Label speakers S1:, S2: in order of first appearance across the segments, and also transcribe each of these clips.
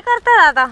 S1: करता आता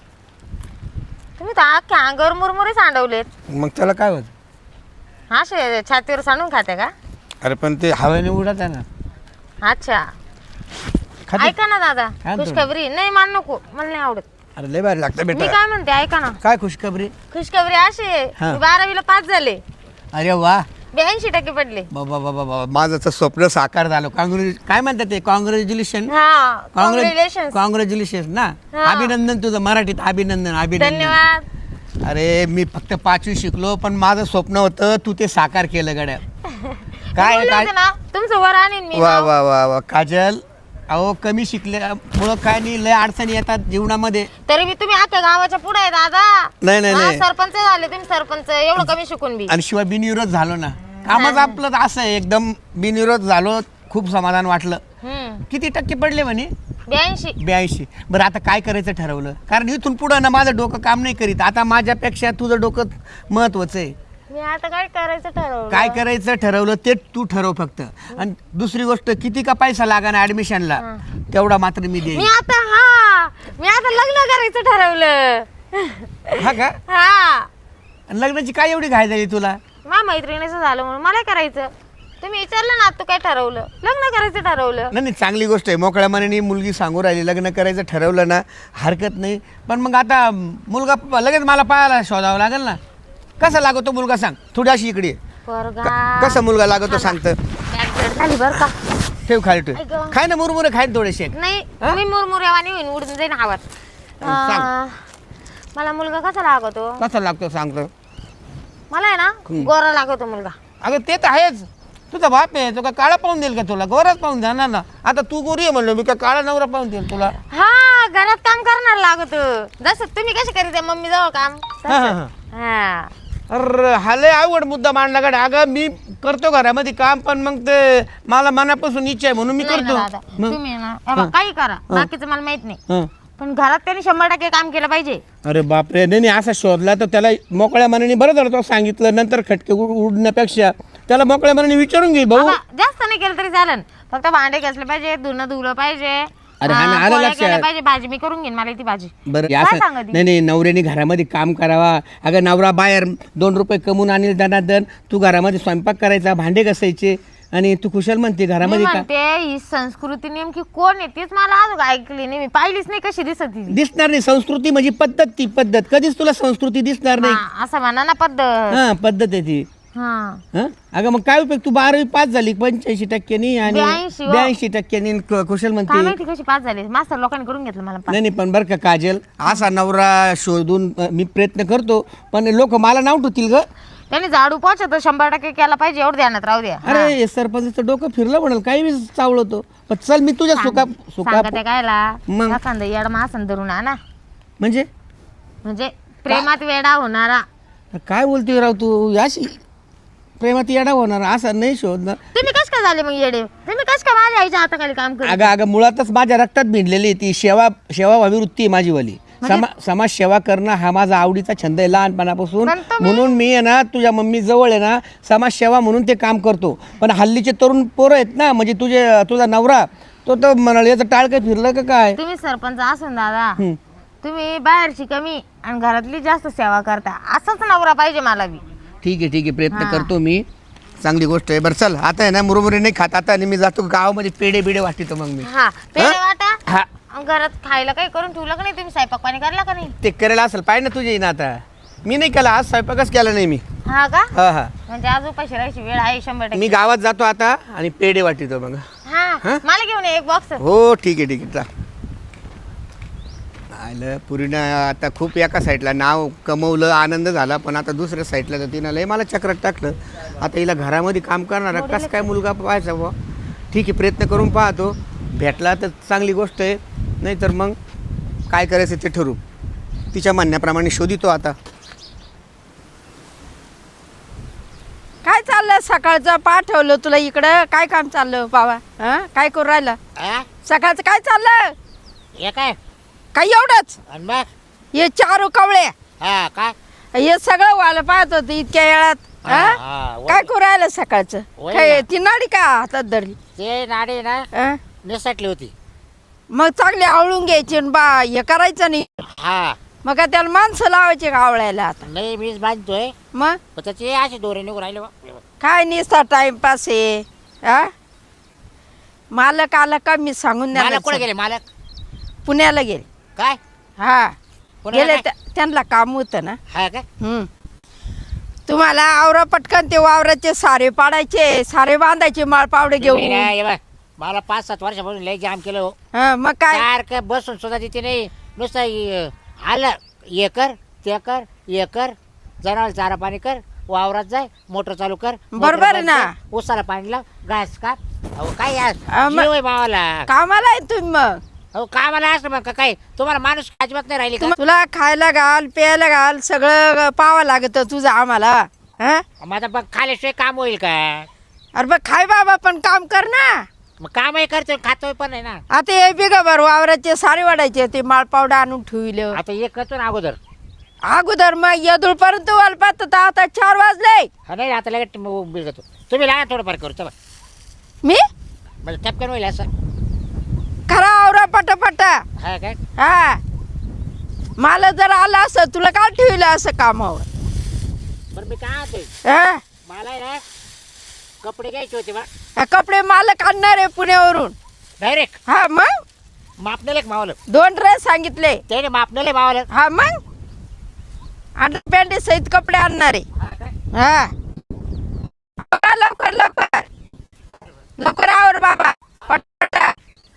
S1: तुम्ही तर अख्ख्या अंगावर मुरमुरे सांडवलेत
S2: मग त्याला काय होत?
S1: हा छातीवर सांडून खाते का?
S2: अरे पण ते हवेने उडत आहे ना.
S1: अच्छा
S2: खाते.
S1: ऐका ना दादा
S2: काय
S1: खुशखबरी नाही मान नको मला नाही आवडत.
S2: अरे लय भारी लागतं
S1: मी
S2: बेटा.
S1: काय म्हणते ऐका ना
S2: काय खुशखबरी?
S1: खुशखबरी अशी आहे,
S2: हा.
S1: मी 12वीला पास झाले
S2: अरे वा
S1: 82% पडले.
S2: बाबा बाबा बाबा माझं तर स्वप्न साकार झालं. काय म्हणतात ते? कॉंग्रॅच्युलेशन.
S1: हा कॉंग्रॅच्युलेशन.
S2: कॉंग्रॅच्युलेशन ना.
S1: हा.
S2: अभिनंदन तुझं मराठीत अभिनंदन अभिनंदन.
S1: धन्यवाद.
S2: अरे मी फक्त 5वी शिकलो पण माझं स्वप्न होतं तू ते साकार केलं गड्या. काय
S1: बोलले
S2: काय
S1: होते ना तुमचं वर आणीन मी
S2: वा
S1: नाव.
S2: वा वा वा काजल. अहो कमी शिकल्यामुळं काय नाही लय अडचणी येतात जीवनामध्ये.
S1: तरी मी तुम्ही अख्ख्या गावाच्या पुढे आहे दादा.
S2: नाही नाही
S1: हा,
S2: नाही.
S1: सरपंच झाले तुम्ही सरपंच एवढं कमी शिकून बी.
S2: आणि शिवाय बिनविरोध झालो ना. कामच आपलं तर असं आहे एकदम बिनविरोध झालो. खूप समाधान वाटलं. किती टक्के पडले म्हणे?
S1: 82.
S2: बरं आता काय करायचं ठरवलं? कारण इथून पुढं ना माझं डोकं काम नाही करीत. आता माझ्यापेक्षा तुझं डोकं महत्वाचं आहे.
S1: मी आता काय करायचं ठरवलं.
S2: काय करायचं ठरवलं ते तू ठरव फक्त. आणि दुसरी गोष्ट किती का पैसा लागा ना ऍडमिशनला तेवढा मात्र मी देईन.
S1: मी आता लग्न करायचं ठरवलं.
S2: हा का?
S1: हा
S2: आणि लग्नाची काय एवढी घाई झाली तुला?
S1: माझ्या मैत्रिणीचं झालं म्हणून मला करायचं. तुम्ही विचारलं ना तू काय ठरवलं? लग्न करायचं ठरवलं.
S2: नाही चांगली गोष्ट आहे. मोकळ्या मनाने मुलगी सांगू राहिली लग्न करायचं ठरवलं ना हरकत नाही. पण मग आता मुलगा लगेच मला पाहायला शोधावं लागेल ना. कसा लागतो मुलगा सांग? थोडी अशी इकडे ये. कसा मुलगा लागतो सांगतं?
S1: झाली बरं का?
S2: ठेव खाली ठेव.
S1: ऐक गं.
S2: खाय ना मुरमुरे खाय ना थोडेसे.
S1: नाही मी मुरमुऱ्यावानी होईन उडून जाईन आवाज.
S2: सांग.
S1: मला मुलगा कसा लागतो?
S2: कसा लागतो सांगतो?
S1: मला आहे ना गोरा लागतो मुलगा.
S2: अगं ते तर आहेच. तुझा बाप आहे तो का काळा पाहून देईल का तुला? गोराच पाहून देणार ना. आता तू गोरी आहे म्हणलो मी का काळा नवरा पाहून देईल तुला?
S1: हा घरात काम करणार लागतो. जसं तुम्ही कसे करीत मम्मी जवळ काम
S2: हा, हा, हा.
S1: हा
S2: अरे हा लय आवड मुद्दा मांडला गड्या. अगं मी करतो घरामध्ये काम पण मग ते मला मनापासून इच्छा आहे म्हणून मी
S1: नाही ना
S2: करतो.
S1: दादा,
S2: मग?
S1: तुम्ही आहे ना बाबा, काही करा बाकीचं मला माहित नाही
S2: हं.
S1: पण घरात त्यांनी 100% काम केलं पाहिजे.
S2: अरे बापरे नाही असा शोधला तर त्याला मोकळ्या मनाने बरं झालं तो सांगितलं. नंतर खटके उडण्यापेक्षा त्याला मोकळ्या मनाने विचारून घे भाऊ.
S1: बाबा, जास्त नाही केलं तरी चालेल. फक्त भांडे घासले पाहिजे, धुणं धुवलं पाहिजे,
S2: अरे हा ना, आलं
S1: पोळ्या
S2: लक्षात.
S1: केल्या पाहिजे, भाजी मी करून घेईन. मला ती भाजी
S2: बरं
S1: काय
S2: असं
S1: सांगत
S2: नाही नवऱ्याने घरामध्ये काम करावा. अगं नवरा बाहेर 2 रुपये कमवून आणील दनादन. तू घरामध्ये स्वयंपाक करायचा, भांडे घासायचे आणि तू कुशल म्हणते
S1: मी
S2: घरामध्ये का
S1: म्हणते ही संस्कृती नेमकी कोण आहे तीच मला अजून ऐकली नाही. मी पाहिलीच नाही कशी दिसत ती.
S2: दिसणार नाही. संस्कृती म्हणजे पद्धत. ती पद्धत कधीच तुला संस्कृती दिसणार नाही.
S1: हा, असं म्हणा ना पद्धत.
S2: हा पद्धत आहे ती.
S1: हा
S2: हं? अगं मग काय उपयोग? तू 12वी पास झाली 85% आणि
S1: 82
S2: 82% कुशल
S1: काय
S2: म्हणते.
S1: माहिती कशी पास झाली. मास्तर लोकांनी करून घेतलं मला पास.
S2: नाही पण बरं का काजल असा नवरा शोधून मी प्रयत्न करतो पण लोक मला नाव ठेवतील ग.
S1: त्यांनी झाडू पोहोचत 100% केला पाहिजे एवढं ध्यानात राहू द्या.
S2: अरे हे सरपंचाचं डोकं फिरलं म्हणाल काही बी चावलतो. पण चल मी तुझ्या सुका
S1: सांगते कायला
S2: मग?
S1: एखादा येड मासन धरून आणा
S2: म्हणजे
S1: प्रेमात वेडा होणारा.
S2: काय बोलतोय राव तू? याशी प्रेमात येडा होणार असं नाही शोधणार.
S1: तुम्ही कस काय झाले मग येडे? तुम्ही कस काय माझ्या आईच्या हाताखाली काम करत?
S2: अगं मुळातच माझ्या रक्तात भिडलेली ती सेवाभावी वृत्ती आहे माझीवाली. समाज सेवा करणं हा माझा आवडीचा छंद आहे लहानपणापासून. म्हणून मी आहे ना तुझ्या मम्मी जवळ आहे ना समाज सेवा म्हणून ते काम करतो. पण हल्लीचे तरुण पोरं आहेत ना म्हणजे तुझा नवरा तो तर म्हणाल याचं टाळ काय फिरलं का काय?
S1: तुम्ही सरपंच असून दादा तुम्ही बाहेरची कमी आणि घरातली जास्त सेवा करता. असाच नवरा पाहिजे मला बी.
S2: ठीक आहे प्रयत्न करतो मी. चांगली गोष्ट आहे. बरं चल आता आहे ना मुरमुरे नाही खात आता. आणि मी जातो गावामध्ये पेढे बिडे वाटतो मग मी.
S1: हा पेढे वाटा.
S2: हा
S1: घरात खायला काही करून ठेवलं का नाही? तुम्ही स्वयंपाक पाणी करला का नाही?
S2: ते करायला असेल पाहिजे ना तुझे ना. आता मी नाही केला आज स्वयंपाकच केला नाही मी.
S1: हा का?
S2: हा
S1: म्हणजे आज उपाशी राहायची वेळ आहे 100%.
S2: मी गावात जातो आता आणि पेढे वाटतो मग.
S1: हा मला घेऊन ये एक बॉक्स.
S2: हो ठीक आहे चा आलं पुरीनं आता खूप एका साईडला नाव कमवलं आनंद झाला पण आता दुसऱ्या साईडला तर तिनं लय मला चक्रात टाकलं. आता हिला घरामध्ये काम करणारा कसं काय मुलगा पाहायचा बुवा. ठीक आहे प्रयत्न करून पाहतो. भेटला तर चांगली गोष्ट आहे नाही तर मग काय करायचं ते ठरवू. तिच्या म्हणण्याप्रमाणे शोधितो आता.
S3: काय चाललं सकाळचं पाठवलं तुला इकडं? काय काम चाललं बाबा? हा काय करू राहिलं सकाळचं? काय चाललं?
S4: हे काय
S3: काही एवढंच?
S4: आणि मग
S3: हे 4 कवळे
S4: हा काय
S3: हे सगळं व्हायला पाहत होतं इतक्या वेळात.
S4: हा,
S3: हा?
S4: हा,
S3: काय करू राहिलं सकाळचं?
S4: वय
S3: काय
S4: ना.
S3: ती नाडी का हातात धरली?
S4: ते नाडी ना
S3: हा?
S4: निसटली होती.
S3: मग चांगले आवळून घ्यायचे न बा हे करायचं नाही.
S4: हा
S3: मग काय त्याला माणसं लावायचे का आवळायला आता.
S4: नाही मीच बांधतोय
S3: मग
S4: पण त्याचे असे दोरे निघून राहिले बा.
S3: काय निसता टाइमपास आहे. हा मालक आला का मी सांगून
S4: मालक कुठे
S3: द्या.
S4: गेले मालक
S3: पुण्याला गेले.
S4: काय
S3: हा
S4: पुण्याला
S3: गेले
S4: काय?
S3: त्यांना काम होतं ना.
S4: हा काय
S3: तुम्हाला आवरा पटकन ते वावराचे सारे पाडायचे सारे बांधायचे माळ पावडे घेऊन.
S4: तुम्ही ना, हे बघ, मला 5-7 वर्षापासून लय जाम केलं हो.
S3: हा मग काय
S4: सारखं बसून सुद्धा तिथे नाही नुसतं आलं हे कर ते कर हे कर जनावर चारा पाणी कर वावरात जाय मोटर चालू कर
S3: बरोबर आहे ना.
S4: उसाला पाणी लाव घास काप. अहो काय यार
S3: मग-
S4: जीव आहे मावाला.
S3: कामाला आहे तुम्ही मग.
S4: अहो कामाला असं मग काय तुम्हाला माणूस अजिबात नाही राहिली का
S3: तुला खायला घाल प्यायला घाल सगळं पाहावं लागत तुझं आम्हाला. हा
S4: मग आता बघ खाल्याशिवाय काम होईल का
S3: अरे बघ खाय बाबा पण काम कर ना.
S4: मग कामही करतोय खातोय पण आहे ना.
S3: आता हे बिगा भर वावराचे सारे वाढायचे ते माळ पावडा आणून ठेवलं
S4: आता एक करतो ना अगोदर.
S3: अगोदर मग यदुळपर्यंत वालपात तर आता 4 वाजले.
S4: हा नाही आता लगेच बिल करतो तुम्ही लागा थोडंफार करू चला
S3: मी
S4: म्हणजे टपकन होईल असं.
S3: खरा आवरा पटापटा.
S4: हा काय
S3: हा मला जर आलं असं तुला काय ठेवलं असं कामावर.
S4: बरं मी काय होते
S3: हा
S4: मला आहे ना कपडे घ्यायचे होते बा
S3: हा, कपडे मालक आणणार आहे पुण्यावरून.
S4: डायरेक्ट
S3: हा मग
S4: मापनेले एक मावलं
S3: 2 ड्रेस सांगितले.
S4: त्याने मापनेले मावलं.
S3: हा मग अंडरपॅन्ट सहित कपडे आणणार आहे.
S4: हा काय
S3: हा बघा, लवकर लवकर लवकर आवर बाबा पटापटा.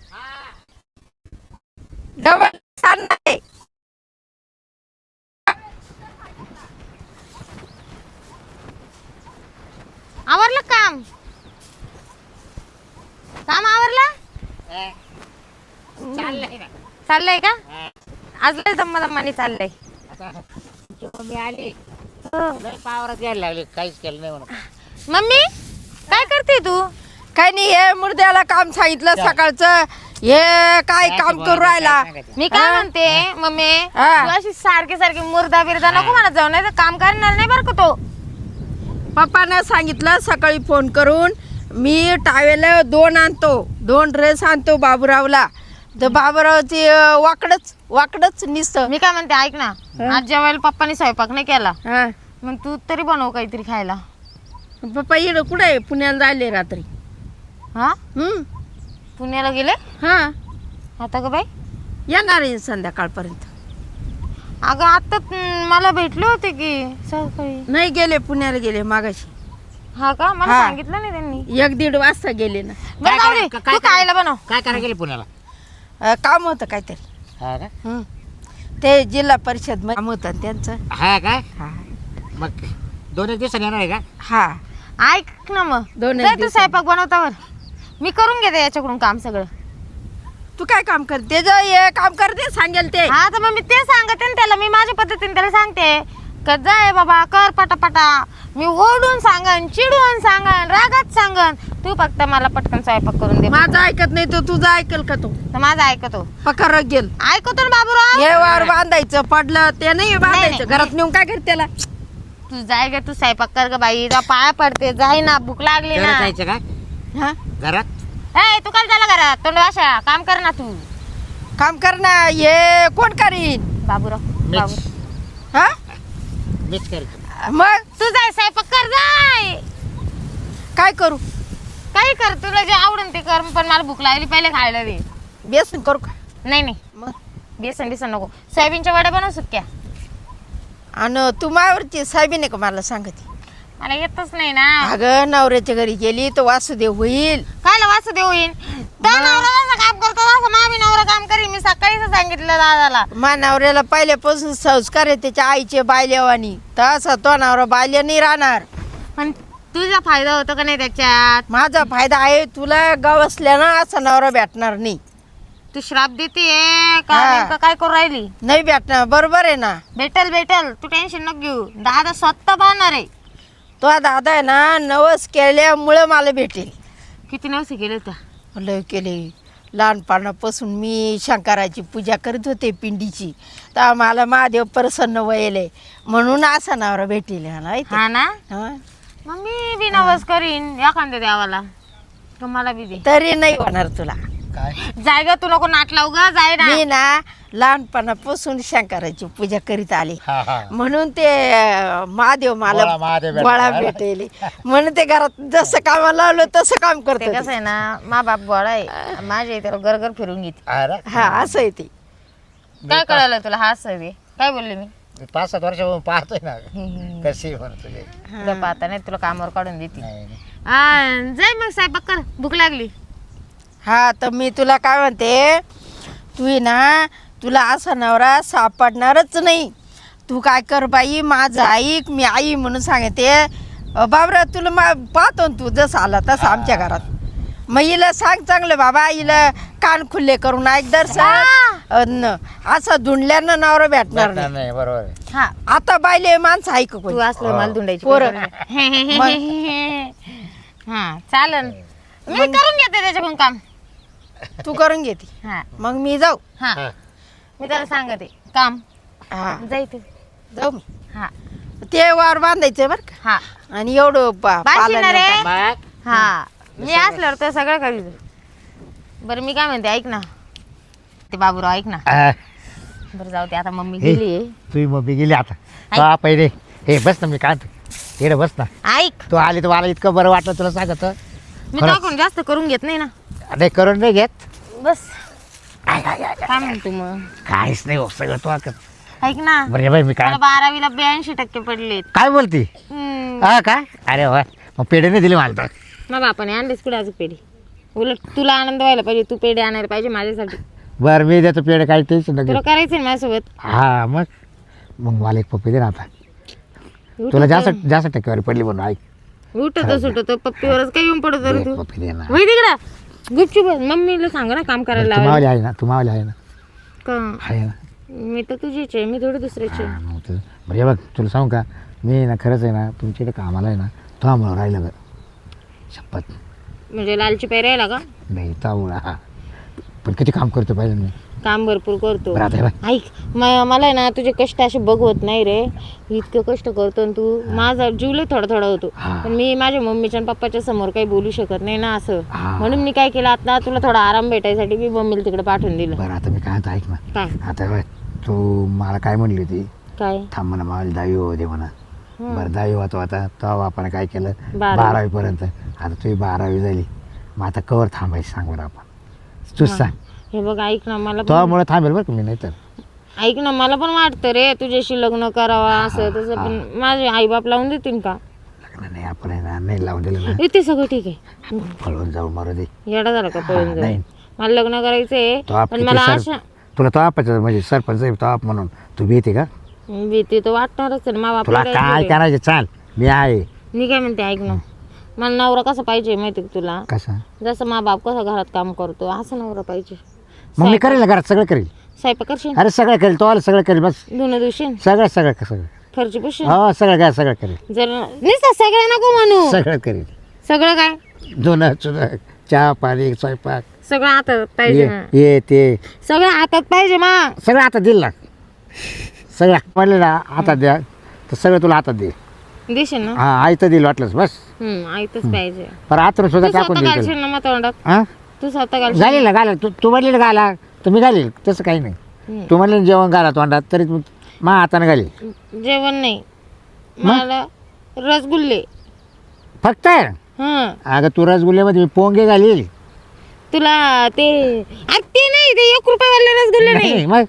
S3: डबल आणणार आहे.
S1: आवरलं काम काम आवरलं
S4: हा. चाललंय ना
S1: चाललंय का
S4: हा.
S1: आज लय दम्मादम्माने चाललंय.
S4: आता जेव्हा मी आली लय पावरात घ्यायला लागले काहीच केलं नाही म्हणून.
S1: मम्मी काय करते तू.
S3: काही नाही हे मुर्द्याला काम सांगितलं सकाळचं. हे काय काम करू राहिला.
S1: मी काय म्हणते मम्मी
S3: हा.
S1: तू अशी सारखी सारखी मुर्दा बिरदा नको म्हणत जाऊ नाही तर काम करणार नाही बरं का तो.
S3: पप्पानं सांगितलं सकाळी फोन करून मी टावेल 2 आणतो 2 ड्रेस आणतो बाबूरावला. तर बाबूरावची वाकडच निसतं.
S1: मी काय म्हणते ऐक ना आज जेवायला पप्पानी स्वयंपाक नाही केला
S3: हा
S1: मग तू तरी बनव काहीतरी खायला.
S3: पप्पा इकडं कुठे आहे पुण्याला जायले रात्री.
S1: हा पुण्याला गेले
S3: हा
S1: आता ग बाई.
S3: येणार आहे संध्याकाळपर्यंत.
S1: अगं आता मला भेटले होते की सकाळी.
S3: नाही गेले पुण्याला गेले मागाशी.
S1: हा का मला
S3: हा.
S1: सांगितलं नाही त्यांनी.
S3: 1-1.5 वाजता गेले ना.
S1: बरं जाऊ दे
S4: काय-
S1: तू खायला बनव.
S4: काय करायला गेले पुण्याला.
S3: काम होतं काहीतरी.
S4: हा का
S3: हं. ते जिल्हा परिषद काम होतं ना त्यांचं.
S4: हा काय
S3: हा
S4: मग 2-1 दिवसांनी येणार आहे का.
S3: हा
S1: ऐक ना मग
S3: दोन
S1: जाय तू
S3: दिवसांनी.
S1: स्वयंपाक बनवतावर मी करून घेते याच्याकडून काम सगळं.
S3: तू काय काम करते हे काम करते सांगेल ते.
S1: हा तर मग मी ते सांगते ना त्याला. मी माझ्या पद्धतीने त्याला सांगते का जाय बाबा कर पटापटा. मी ओढून सांगन चिडून सांगन रागात सांगन तू फक्त मला पटकन स्वयंपाक करून दे.
S3: माझं ऐकत नाही तर तुझं ऐकल का तो.
S1: तर माझं ऐकतो
S3: पकार गेल
S1: ऐकतो ना बाबूराव.
S3: हे वार बांधायचं पडलं ते नाही बांधायचं.
S1: नाही.
S3: घरात नेऊन काय करते त्याला.
S1: तू जाय ग तू स्वयंपाक कर ग बाई. तुला पाया पडते जाय ना भूक लागली
S4: घरात
S1: ना.
S4: जायचं का
S3: हा
S4: घरात.
S1: ए तू काय झाला घरात तोंड वाशा काम कर ना तू.
S3: काम कर ना. हे कोण करीन.
S1: बाबूराव
S4: मीच
S1: बाबू
S3: हा
S4: मीच करतो.
S3: मग
S1: तू जाय स्वयंपाक कर जाय.
S3: काय करू.
S1: काही कर तुला जे आवडेल ते कर पण मला भूक लागली पहिले खायला दे.
S3: बेसन करू का.
S1: नाही नाही
S3: मग
S1: बेसन बिसन नको. सोयाबीनच्या वड्या बनव सुक्या.
S3: आणि तू मायावरची साहेबीने का मला सांगते.
S1: मला येतच नाही ना.
S3: अगं नवऱ्याच्या घरी गेली तर वासुदेव होईल.
S1: काय वासू देऊ येईन तो नवरा जसं काम करतो तसं मामी नवरा काम करीन. मी सकाळीच सांगितलं दादाला.
S3: मा नवऱ्याला पहिल्यापासून संस्कार आहे त्याच्या आईचे बायलेवानी. तसा तो नवरा बाल्य नाही राहणार.
S1: पण तुझा फायदा होतो का नाही त्याच्यात.
S3: माझा फायदा आहे. तुला गवसल्यानं असा नवरा भेटणार नाही.
S1: तू श्राप देते का
S3: हा.
S1: नेमकं काय करू राहिली.
S3: नाही भेटणार. बरोबर आहे ना.
S1: भेटल भेटल तू टेन्शन नको घेऊ. दादा स्वतः पाहणार आहे.
S3: तो दादा आहे ना नवस केल्यामुळं मला भेटेल.
S1: किती नवसे केले होत्या.
S3: लय केले. लहानपणापासून मी शंकराची पूजा करत होते पिंडीची. तर मला महादेव प्रसन्न व्हायले म्हणून असा नवरा भेटेल मला माहिती.
S1: हा ना
S3: हा.
S1: मग मी बी नवस करीन एखाद्या देवाला तुम्हाला बी दे.
S3: तरी नाही होणार तुला.
S4: काय
S1: जाय ग, तू नको नाट लावू ग, जाय ना.
S3: मी ना लहानपणापासून शंकराची पूजा करीत आले
S4: हा हा
S3: म्हणून ते महादेव मला
S4: गोळा महादेव भेटला.
S3: गोळा भेटेल म्हणून ते घरात जसं कामाला लावलं तसं काम
S1: ते
S3: करत
S1: कसं आहे ना, मा बाप गोळा आहे, माझ्या इथे गरगर फिरून घेते.
S4: अरे
S3: हा असं आहे ते.
S1: काय कळालं तुला? हा सवी काय बोलले मी?
S4: मी 5-7 वर्षापासून पाहतोय ना कशी म्हणत तुझे
S1: तुला पाहता नाही, तुला कामावर काढून देते.
S4: नाही नाही.
S1: जाय मग स्वयंपाक कर, भूक लागली.
S3: हा तर मी तुला काय म्हणते, तू आहे ना, तुला असा नवरा सापडणारच नाही. तू काय कर बाई, माझं ऐक, मी आई म्हणून सांगते. बाबरा तुला पाहतो ना तू जसं आला तसं आमच्या घरात. मग हिला सांग चांगलं बाबा, हिला कान खुल्ले करून ऐक दर्शन. असं धुंडल्यानं नवरा भेटणार
S4: भेटणार
S3: नाही.
S4: नाही बरोबर आहे.
S1: हा,
S3: आता बायले माणसं ऐक
S1: तू असलं मला धुंडायची
S3: पोरं.
S1: हा चालन, मी करून घेते त्याच्याकडून काम.
S3: तू करून घेते
S1: हा
S3: मग मी जाऊ.
S1: हा, मी त्याला सांगते काम
S3: हा
S1: जाय तू.
S3: जाऊ मी.
S1: हा
S3: ते वावर बांधायचं बरं का,
S1: हा,
S3: आणि एवढं
S1: बाशी ना रे.
S4: मग
S1: हा, मी असल्यावर तर सगळं करीत. बरं मी काय म्हणते, ऐक ना ते बाबूराव, ऐक ना. बरं जाऊ दे, आता मम्मी गेली.
S4: तुझी मम्मी गेली आता. तो पहिले हे बस ना, मी काय हे बस ना.
S1: ऐक,
S4: तू आली तर मला इतकं बरं वाटलं तुला सांगत.
S1: मी टाकून जास्त करून घेत नाही ना.
S4: नाही करून नाही घेत.
S1: बस काय म्हणतो मग?
S4: काहीच नाही हो, सगळं तू
S1: ऐक ना,
S4: बरं बाई मी काय
S1: मला 12वीला 82% पडलेत.
S4: काय बोलती. हा काय, अरे वा, मग पेढे नाही दिले मला तर.
S1: मग बापाने आणलीस कुठे अजून पेढे? उलट तुला आनंद व्हायला पाहिजे, तू पेढे आणायला पाहिजे माझ्यासाठी.
S4: बरं मी देतो पेढे, काही टेन्शन
S1: तुला
S4: नाही.
S1: करायचं ना माझ्यासोबत.
S4: हा मग मला एक पप्पी दे ना आता.
S1: उठतो-
S4: तुला जास्त टक्केवारी पडली म्हणून ऐक.
S1: उठतो सुटतो पप्पीवरच काय येऊन पडतो रे
S4: दे
S1: तू.
S4: पप्पी दे ना.
S1: वय तिकडं गुपचूप बस. मम्मीला सांग ना काम करायला
S4: तू
S1: लावायला.
S4: मावली आहे ना, तू मावली आहे ना.
S1: का?
S4: आहे ना.
S1: मी तर तुझीच आहे, मी थोडी दुसऱ्याची आहे.
S4: हा, मग तर बरं हे बघ तुला सांगू का, मी ना खरंच आहे ना तुमच्या इकडे कामाला आहे ना, तो आम्हाला राहिलं ग शपथ.
S1: म्हणजे लालची पाय राहिला का?
S4: नाही तावळा हा, पण किती काम करतो पाहिजे मी.
S1: काम भरपूर करतो.
S4: बरं आता हे बघ,
S1: ऐक, मला आहे ना तुझे कष्ट असे बघवत नाही रे. इतकं कष्ट करतो आणि तू, माझा जीवले थोडा थोडा होतो.
S4: हा.
S1: पण मी माझ्या मम्मीच्या आणि पप्पाच्या समोर काही बोलू शकत नाही ना असं.
S4: हा.
S1: म्हणून मी काय केलं, आता तुला थोडा आराम भेटायसाठी मी मम्मीला तिकडे पाठवून दिलं.
S4: बरं आता मी काय आता ऐक ना.
S1: काय
S4: आता हे बघ, तू मला काय म्हणली होती,
S1: काय?
S4: थांब म्हणा मावली 10वी होऊ दे म्हणा. बरं 10वी होतो आता, तेव्हा आपण काय केलं
S1: 12वी.
S4: 12वी पर्यंत. आता तुझी 12वी झाली, मग आता कवर थांबायची सांग बरं आपण. तूच सांग.
S1: हे बघ ऐक ना, मला पण
S4: तुझ्यामुळे थांबेल बरं का मी, नाही तर.
S1: ऐक ना, मला पण वाटतं रे तुझ्याशी लग्न करावा असं तसं, पण माझे आई बाप लावून देतील का?
S4: लग्न नाही आपण आहे ना, नाही लावून दिलं ना,
S1: ते सगळं ठीक आहे.
S4: पळून जाऊ मारू दे.
S1: येडा झाला का पळून जाऊ?
S4: नाही.
S1: मला लग्न करायचंय,
S4: तो आप
S1: पण मला अशा
S4: तुला तो आपच म्हणजे सरपंच आहे तो आप म्हणून तू भीती का.
S1: भीती तर वाटणारच आहे ना. मा
S4: तुला
S1: बापला
S4: काय करायचं चाल, मी आहे.
S1: मी काय म्हणते ऐक ना, मला नवरा कसा पाहिजे माहिती का तुला?
S4: कसा
S1: जसं मा बाप कसं घरात काम करतो असं नवरा पाहिजे.
S4: मग मी करेल ना घरात, सगळं करेल.
S1: स्वयंपाक करशील,
S4: अरे सगळं करेल, तो आलं सगळं करेल बस.
S1: धुणं धुशील,
S4: सगळं सगळं सगळं
S1: फरची पुशील.
S4: हो सगळं काय सगळं करेल.
S1: जर नुसतं सगळं नको म्हणू.
S4: सगळं करेल.
S1: सगळं काय?
S4: धुणं चुणं चहा पाणी स्वयंपाक
S1: सगळं हातात पाहिजे ना.
S4: ये ते
S1: सगळं हातात पाहिजे मा.
S4: सगळं हातात दिल ना. सगळं म्हणले ना हातात द्या तर सगळं तुला हातात दे.
S1: देशील ना?
S4: हा आई तर दिल वाटलंच बस.
S1: ऐकतच पाहिजे.
S4: पण आतून सुद्धा
S1: तू
S4: टाकून
S1: स्वतः
S4: दिल
S1: घालशील ना मग तोंडात?
S4: हा
S1: तू स्वतः घालशील?
S4: घालील ना घाला तू म्हणली ना घाला तर मी घालील, तसं काही नाही. तू म्हणले ना जेवण घाला तोंडात तरी मा हाताने घालील.
S1: जेवण नाही, मला रसगुल्ले
S4: फक्त
S1: हं.
S4: अगं तू रसगुल्ल्यामध्ये मी पोंगे घालील.
S1: तुला ते ते नाही, ते 1 रुपयावाले रसगुल्ले नाही,
S4: मग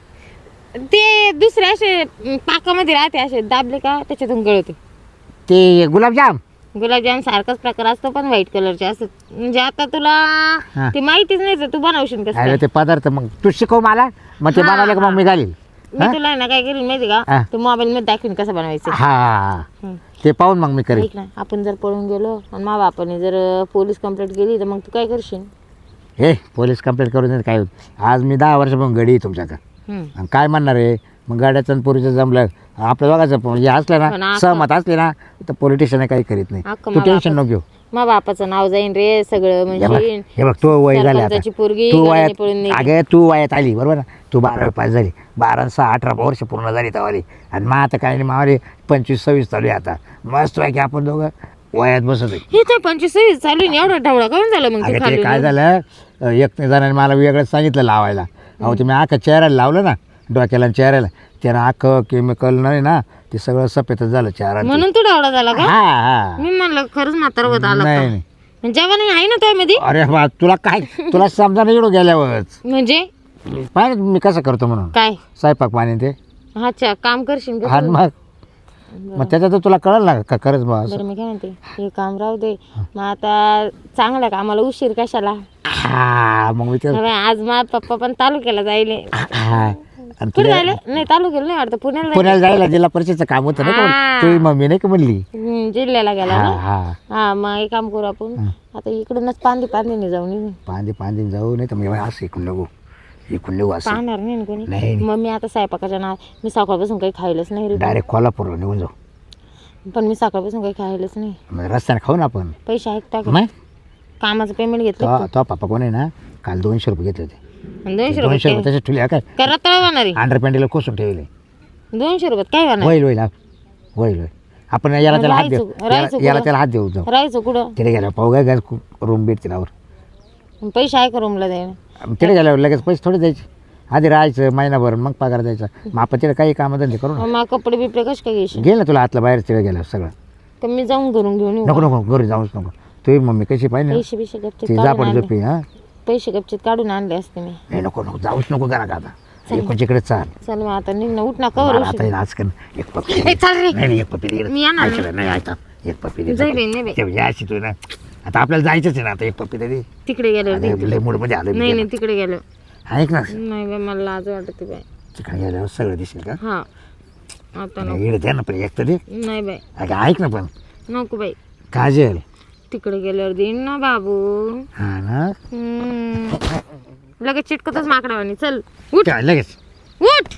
S1: ते दुसरे असे पाकामध्ये राहते, असे दाबले का त्याच्यातून गळते.
S4: ते गुलाबजाम
S1: गुलाबजाम सारखाच प्रकार असतो पण व्हाईट कलरचे असतात. म्हणजे आता तुला ते माहितीच नाही तर तू बनवशील कसं
S4: अरे
S1: काय?
S4: ते पदार्थ मग तू शिकव मला, मग ते
S1: हा,
S4: बनवले का मग मी घालील.
S1: मी तुला ना काय करेल माहिती का,
S4: हा.
S1: ते मोबाईल मध्ये दाखवीन कसं बनवायचं.
S4: हा
S1: हं.
S4: ते पाहून मग मी करेल.
S1: ऐक ना, आपण जर पळून गेलो आणि मा बापाने जर पोलीस कंप्लेंट केली तर मग तू काय करशील?
S4: हे पोलीस कंप्लेंट करून देत काय होत. आज मी 10 वर्षापासून गडी आहे तुमच्याकडे
S1: हं.
S4: आणि काय म्हणणार आहे मग गाड्याचं आणि पोरीचं जमलं आपल्या दोघांचं हे असलं
S1: पण
S4: ना
S1: आता-
S4: सहमत असले ना तर पोलिटिशियन काही करीत नाही.
S1: अख्खं
S4: तू
S1: मा
S4: टेन्शन नको घेऊ.
S1: मा बापाचं नाव जाईन रे सगळं.
S4: हे बघ
S1: म्हणजे
S4: हे बघ तू वय झाले आता,
S1: सरपंचाची पोरगी
S4: तू
S1: गाडीने
S4: वयात
S1: पळून नेली.
S4: अगं तू वयात आली बरोबर ना, तू 12वी पास झाली, 12 6 18 वर्ष पूर्ण झाली तवाली आणि मग आता काय नाही मावाली 25 26 चालू आहे आता. मस्त आहे की आपण दोघं
S5: वयात बसत आहे.
S1: हे तर 25 चालू आहे, एवढा ढवळा काऊन झाला मग ते
S5: अगं ते
S1: खाली?
S5: काय झालं एक जणांनी मला वेगळं सांगितलं लावायला. अहो ते मी अख्खा चेहऱ्याला लावलं ना, डोक्याला आणि चेहऱ्याला, त्यानं अख्खं केमिकल नाही ना, ते सगळं सफेदच झालं चेहरा.
S1: म्हणून तो ढवळा झाला का?
S5: हा हा.
S1: मी म्हणलं खरंच म्हातारा होत आला
S5: नाही
S1: का?
S5: नाही.
S1: जेव्हा नाही आहे ना त्यामध्ये
S5: अरे बा तुला काय, तुला समजा नाही एवढं गेल्यावरच
S1: म्हणजे
S5: पाहिजे मी कसं करतो म्हणून
S1: काय?
S5: स्वयंपाक पाणी ते.
S1: अच्छा, काम करशील का
S5: हा
S1: तू?
S5: मग त्याच्यात तुला कळलं ना का खरंच बा असं.
S1: बरं मी काय म्हणते, हे काम राहू दे, मग आता चांगल्या कामाला उशीर कशाला?
S5: हा मग मी ते
S1: अबे, आज माझा पप्पा पण तालुक्याला जायले.
S5: हा. आणि
S1: कुठे
S5: तुला
S1: जायले? नाही, तालुक्याला नाही वाटतं, पुण्याला जायले.
S5: पुण्याला जायला जिल्हा परिषदचं काम होतं ना,
S1: हा.
S5: तुझी मम्मी नाही का म्हणली.
S1: जिल्ह्याला गेला
S5: हा
S1: ना.
S5: हा.
S1: हा, मग एक काम करू आपण, आता इकडूनच पांदीने जाऊ निघू.
S5: पांदी जाऊ नाही तर मग असं इकडून निघू असं.
S1: पाहणार नाही ना कोणी.
S5: नाही.
S1: मग मी आता स्वयंपाकाच्या नाव मी सकाळपासून काही खायलाच नाही रे.
S5: डायरेक्ट कोल्हापूरला निघून जाऊ.
S1: पण मी सकाळपासून काही खायलाच नाही.
S5: मग रस्त्याने खाऊ ना आपण.
S1: पैसे ऐकता का?
S5: मग
S1: कामाचं पेमेंट घेतलं
S5: तो पप्पा कोण आहे ना, काल 200 रुपये घेतले होते.
S1: 200
S5: 200
S1: रुपये
S5: रुपये तसे ठेवले काय
S1: काय रताळ होणार आहे?
S5: अंडरपॅन्टीला कोसून ठेवले.
S1: 200 रुपयात काय होणार?
S5: होईल आपण याला त्याला हात देऊ,
S1: राहायचं
S5: याला
S1: कुठं?
S5: त्याला हात देऊ जाऊ.
S1: राहायचं कुठं?
S5: तिथे गेल्यावर पाहू काय रूम भेट तिलावर.
S1: पैसे आहे का रूमला द्यायला?
S5: तिथे गेल्यावर लगेच पैसे थोडे द्यायचे, आधी राहायचं महिनाभर मग पगार द्यायचा. मग आपण तिथे काही कामधंदे करू ना.
S1: मग कपडे बिपडे कसे काय घ्यायचे?
S5: गेल ना तुला आतला बाहेर तिथे गेल्यावर सगळं.
S1: तर मी जाऊन घरून घेऊन येऊ.
S5: नको घरी जाऊच नको. तुझी मम्मी कशी पाहिजे
S1: पैसे बिशे गपचित
S5: ती
S1: काढून
S5: जापड
S1: आणले.
S5: झोपी. हा
S1: पैसे गपचित काढून आणले असते मी.
S5: नाही नको जाऊच नको करा का आता एकोणच्याकडे चाल.
S1: चल मग आता निघ ना, उठ ना, कवर
S5: मला आता आज कर एक पप्पी
S1: ए, चल रे.
S5: नाही एक पप्पी दे.
S1: मी येणार नाही.
S5: ऐकलं नाही ऐका एक पप्पी दे.
S1: जाई बाई, नाही बाई.
S5: यायची तू ना, आता आपल्याला जायचंच आहे ना, आता एक पप्पी दे.
S1: तिकडे गेल्यावर दे.
S5: लय मूड मध्ये आलं.
S1: नाही तिकडे गेलो.
S5: ऐक ना,
S1: नाही बाई, मला लाज वाटते बाई.
S5: तिकडे गेल्यावर सगळं दिसेल का.
S1: हा, आता नको.
S5: येडे द्या ना पण एक तर दे.
S1: नाही बाई,
S5: अगं ऐक ना पण
S1: नको बाई.
S5: काजल.
S1: तिकडे गेल्यावर देईन ना बाबू.
S5: हा ना
S1: लगेच चिटकतच माकडावानी. चल उठ
S5: काय लगेच
S1: उठ.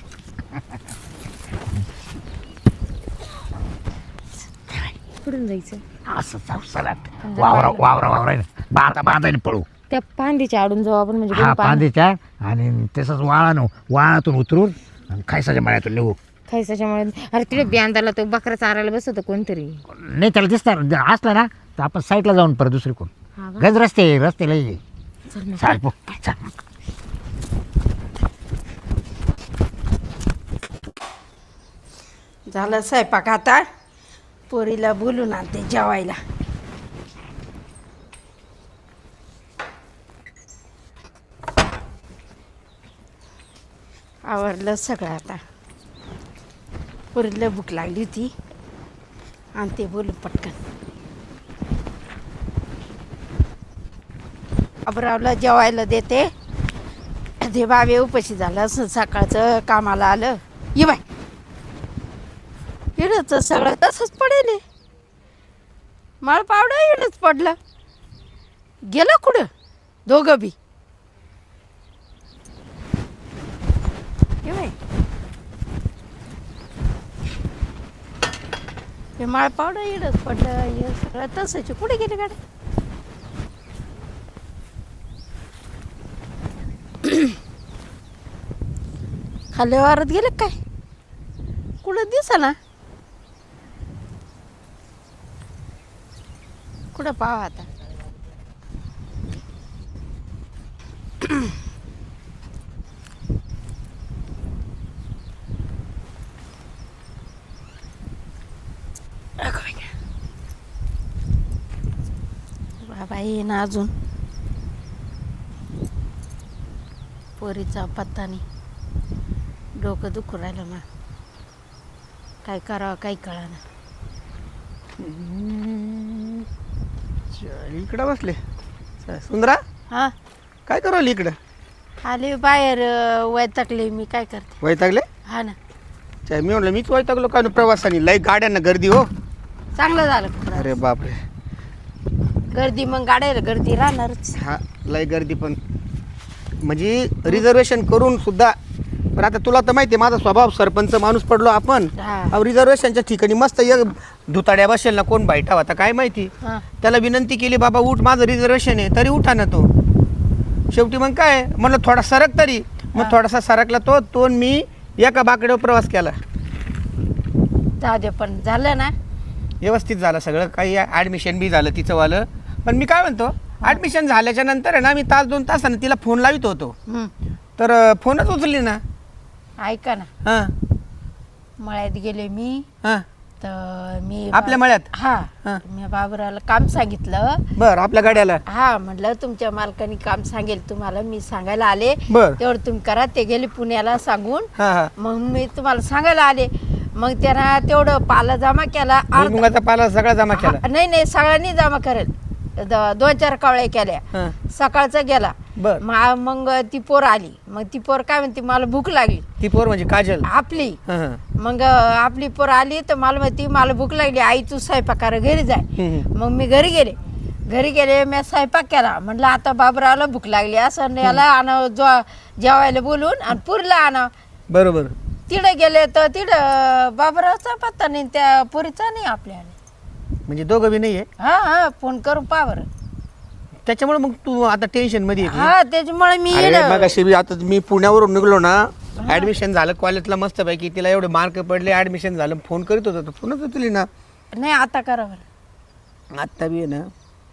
S1: कुठून जायचं?
S5: असं जाऊ सलाट वावरा बांधाने पळू.
S1: त्या पांदीच्या आडून जाऊ आपण, म्हणजे
S5: हा
S1: कोणी पान-
S5: पांदीच्या आणि तसंच वाळातून उतरून आणि खायसाच्या मळ्यातून निघू.
S1: खायच्यामुळे. अरे तिथे बियांदाला तो बकरा चारायला बसवतो कोणतरी.
S5: नाही त्याला दिसणार असला ना तर आपण साईडला जाऊन परत दुसरी कोण
S1: हा का?
S5: गज रस्ते लई
S1: चल मग.
S5: चाल पो चाल.
S3: झालं स्वयंपाक, आता पोरीला बोलून आणते जेवायला. आवरलं सगळं आता. पोरीला भूक लागली होती, आणते बोलून पटकन. अबरावला जेवायला देते. ते बाबे उपाशी झालं असं, सकाळचं कामाला आलं. ये बाय, इडच सगळं तसंच पडेल. माळ पावडं इडच पडलं. गेलं कुठं दोघं बी. ये बाय, हे माळ पावडं इडच पडलं. हे सगळं तसंच. कुठे गेले गाडी? खाली वारत गेले काय? कुठं दिसा ना. कुठं पाहा आता. बाबा ये ना अजून. पोरीचा पत्ता नाही. डोकं दुखू राहिलं मग. काय करावं काही कळाना.
S2: इकडं बसले सुंदरा.
S3: हा,
S2: काय करू राहिली इकडं?
S3: आले बाहेर. वैतागले मी, काय करते.
S2: वैतागले?
S3: हा ना,
S2: चा मी म्हणलं मीच वैतागलो का प्रवासाने. लय गाड्यांना गर्दी हो.
S3: चांगलं झालं खरं.
S2: अरे बापरे.
S3: गर्दी मग गाड्याला गर्दी राहणारच.
S2: हा लय गर्दी पण म्हणजे रिझर्वेशन करून सुद्धा. पण आता तुला तर माहिती आहे माझा स्वभाव, सरपंच माणूस पडलो आपण.
S3: हा.
S2: रिझर्वेशनच्या ठिकाणी मस्त एक धुताड्या बसेल ना, कोण बैठा होता काय माहिती.
S3: हा.
S2: त्याला विनंती केली, बाबा उठ माझं रिझर्वेशन आहे, तरी उठा ना तो. शेवटी मग काय म्हणलं थोडा सरक तरी. मग थोडासा सरकला तो मी एका बाकड्यावर प्रवास केला.
S3: जाऊ दे, पण झालं ना.
S2: व्यवस्थित झालं सगळं, काही ॲडमिशन बी झालं तिचंवालं. पण मी काय म्हणतो, ॲडमिशन झाल्याच्या नंतर आहे ना मी तास 2 तासानं तिला फोन लावित होतो,
S3: हं.
S2: तर फोनच उचलली ना.
S3: ऐका ना,
S2: हां
S3: मळ्यात गेले मी,
S2: हां
S3: तर मी
S2: आपल्या मळ्यात?
S3: हा
S2: हा.
S3: मी बाबराला काम सांगितलं.
S2: बरं, आपल्या गाड्याला?
S3: हा, म्हटलं तुमच्या मालकाने काम सांगेल तुम्हाला, मी सांगायला आले,
S2: बरं.
S3: तेवढं तुम्ही करा. ते गेले पुण्याला सांगून,
S2: हां हां.
S3: मग मी तुम्हाला सांगायला आले. मग त्यांना तेवढं पाला जमा केला.
S2: भुईमुगाचा पाला सगळा जमा केला?
S3: नाही सगळ्यांनी जमा करेल. 2-4 कावळ्या केल्या.
S2: हां.
S3: सकाळचा गेला.
S2: बर.
S3: मग ती पोर आली. मग ती पोर काय म्हणते, मला भूक लागली.
S2: ती पोर म्हणजे काजल?
S3: आपली.
S2: हां हां.
S3: मग आपली पोर आली तर मला म्हणती, मला भूक लागली आई, तू स्वयंपाकाला घरी जाय.
S2: हम्म.
S3: मग मी घरी गेले. मी स्वयंपाक केला. म्हटलं आता बाबराला भूक लागली, असं याला आणावं, जेवायला बोलून आणि पुरीला आणावं.
S2: बरोबर.
S3: तिकडे गेले तर तिकडं बाबराचा पत्ता नाही, त्या पुरीचा नाही आपल्याला.
S2: म्हणजे दोघं बी नाही आहे?
S3: हा, फोन करून पहा बरं.
S2: त्याच्यामुळे मग तू आता टेन्शन मध्ये आहे?
S3: हा, त्याच्यामुळे मी
S2: अरे
S3: येणं.
S2: मग अशी आता मी पुण्यावरून निघलो ना, ऍडमिशन झालं कॉलेजला मस्तपैकी, तिला एवढे मार्क पडले, ऍडमिशन झालं, फोन करीत होता, फोनच उचलली ना.
S3: नाही, आता करा बरं.
S2: आत्ता बी आहे ना.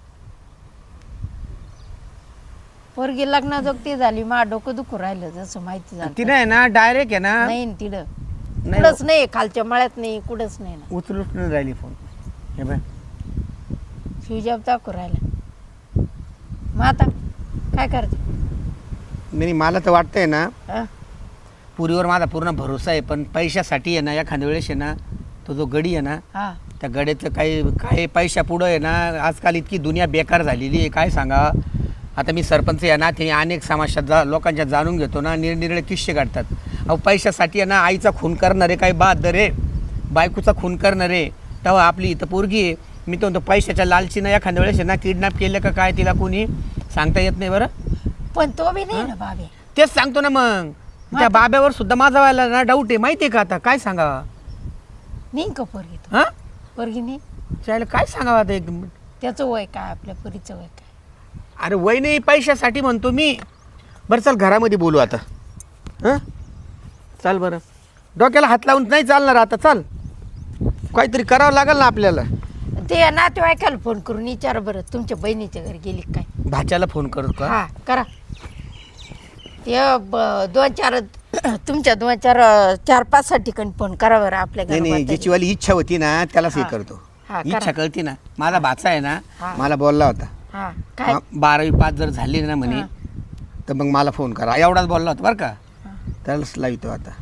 S3: पोरगी लग्नाजोगती झाली, मा डोकं दुखू राहिलं, जसं माहिती झालं.
S2: तिने आहे ना डायरेक्ट आहे ना,
S3: नाही न तिकडं
S2: नाही
S3: कुठंच नाही, खालच्या मळ्यात नाही, कुठंच नाही ना.
S2: उचलूच नाही राहिली फोन. हे बाय,
S3: शिवजाब दाखवू राहिला. मग आता काय करते?
S2: नाही मला तर वाटतंय ना,
S3: हा?
S2: पुरीवर माझा पूर्ण भरोसा आहे, पण पैशासाठी आहे ना एखाद्या वेळेस आहे ना, तो जो गडी आहे ना,
S3: हा.
S2: त्या गड्याचं काही पैशा पुढं आहे ना, आजकाल इतकी दुनिया बेकार झालेली आहे, काय सांगा. आता मी सरपंच आहे ना, ते अनेक समाजात लोकांच्या जाणून घेतो ना, निरनिराळे किस्से काढतात. अहो पैशासाठी आहे ना, आईचा खून करणारे काही बहादर आहे, बायकोचा खून करणारे. तेव्हा आपली इथं पोरगी आहे, मी तो म्हणतो पैशाच्या लालचीनं एखाद्या वेळेस आहे ना किडनॅप केलं का काय तिला कोणी सांगता येत नाही बरं.
S3: पण तो बी नाही ना बाबे.
S2: तेच सांगतो ना, मग त्या बाब्यावर सुद्धा माझा व्हायला ना डाऊट आहे, माहिती आहे का. आता काय सांगावा?
S3: नाही का पोरगी तो?
S2: हां,
S3: पोरगी नाही.
S2: चालेल, काय सांगावं आता एकदम.
S3: त्याचं वय काय, आपल्या पोरीचं वय काय?
S2: अरे वय नाही, पैशासाठी म्हणतो मी. बरं चल घरामध्ये बोलू आता. हां चाल, बरं डोक्याला हात लावून नाही चालणार आता, चाल काहीतरी करावं लागेल ना आपल्याला.
S3: ते नातेवाईकाला फोन करून विचार बरं, तुमच्या बहिणीच्या घरी गेली काय?
S2: भाच्याला फोन करू का?
S3: हा, करा. ते 2-4 तुमच्या 2-4-5 ठिकाणी फोन करा बरं आपल्या
S2: नाही नाही,
S3: घरी.
S2: ज्याची वाली इच्छा होती ना त्यालाच हे
S3: हा.
S2: करतो.
S3: हा, करा.
S2: इच्छा कळती ना. माझा भाचा आहे ना,
S3: हा.
S2: मला बोलला होता,
S3: हा, काय?
S2: 12वी पास जर झाली ना म्हणे, तर मग मला फोन करा, एवढाच बोलला होता बरं का. त्यालाच लावतो आता.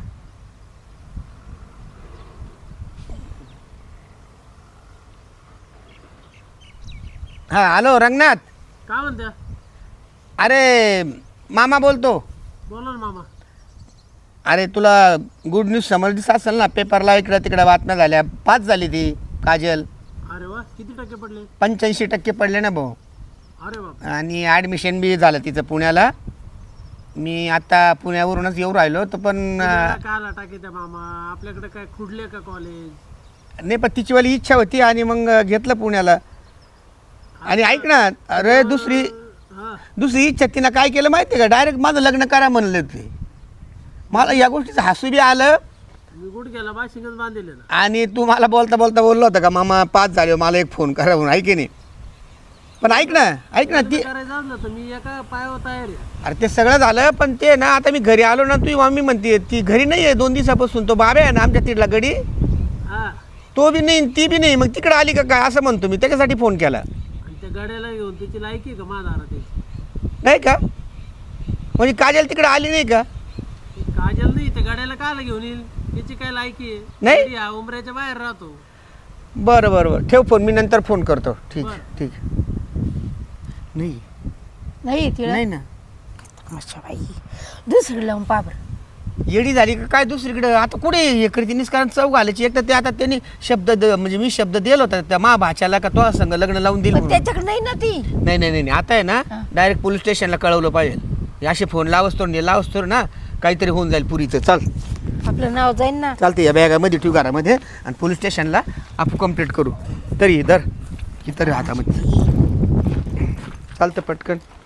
S2: हा हॅलो रंगनाथ.
S6: काय म्हणत्या?
S2: अरे मामा बोलतो.
S6: बोला ना मामा.
S2: अरे तुला गुड न्यूज समजलीच असेल ना, पेपरला इकडं तिकडं बातम्या झाल्या, पास झाली ती काजल.
S6: अरे वा, किती टक्के पडले?
S2: 85% पडले ना भाऊ.
S6: अरे बाप.
S2: आणि ॲडमिशन बी झालं तिचं पुण्याला. मी आता पुण्यावरूनच येऊ राहिलो तर पण
S6: काय टाके त्या मामा, आपल्याकडे काय खुडले का कॉलेज?
S2: नाही, पण तिचीवाली इच्छा होती आणि मग घेतलं पुण्याला. आणि ऐक ना, अरे दुसरी इच्छा तिनं काय केलं माहिती आहे का, डायरेक्ट माझं लग्न करा म्हणलं ते. मला या गोष्टीचं हसू बी आलं.
S6: मी कुठे गेला बाशिंगच बांधले ना.
S2: आणि तू मला बोलता बोलता बोललो होता का मामा पास झाले, मला एक फोन करा म्हणून, ऐके नाही. पण ऐक ना ती,
S6: करायचं असलं तर मी एका पायावर तयार आहे.
S2: अरे ते सगळं झालं, पण ते ना आता मी घरी आलो ना, तुझी मम्मी म्हणते ती घरी नाही आहे 2 दिवसापासून. तो बाबा आहे ना आमच्या तिथला गडी,
S6: हा,
S2: तो बी नाही ती बी नाही, मग तिकडे आली का काय असं म्हणतो मी, त्याच्यासाठी फोन केला.
S6: आणि त्या गाड्याला घेऊन त्याची लायकी का माझा त्याची?
S2: नाही का, म्हणजे काजल तिकडे आली नाही का?
S6: काजल नाही, त्या गाड्याला कायला घेऊन येईल, त्याची काय लायकी आहे?
S2: नाही?
S6: गाडी हा उमऱ्याच्या बाहेर राहतो.
S2: बरं बरं बरं, ठेव फोन, मी नंतर फोन करतो. ठीक
S6: बरं.
S2: ठीक. नाही
S3: नाही तिला
S2: नाही ना,
S3: अच्छा बाई, दुसरी लावून पहा बरं.
S2: येडी झाली का काय दुसरीकडे? आता कुठे हे करते निष्कारण चव घालायची. एक तर ते आता त्यांनी म्हणजे मी शब्द दिला होता त्या मा भाच्याला का तो संग लग्न लावून दिलं
S3: पण
S2: म्हणून.
S3: त्याच्याकडे नाही ना ती.
S2: नाही नाही नाही, आता आहे ना
S3: हा.
S2: डायरेक्ट पोलीस स्टेशनला कळवलं पाहिजे. असे फोन लावस्तोर ना काहीतरी होऊन जाईल पुरीचं. चल
S3: आपलं नाव जाईन ना.
S2: चालते, या बॅगामध्ये ठेवू घरामध्ये आणि पोलीस स्टेशनला आपण कंप्लीट करू. तरी धर की तरी हातामध्ये चालतं पटकन.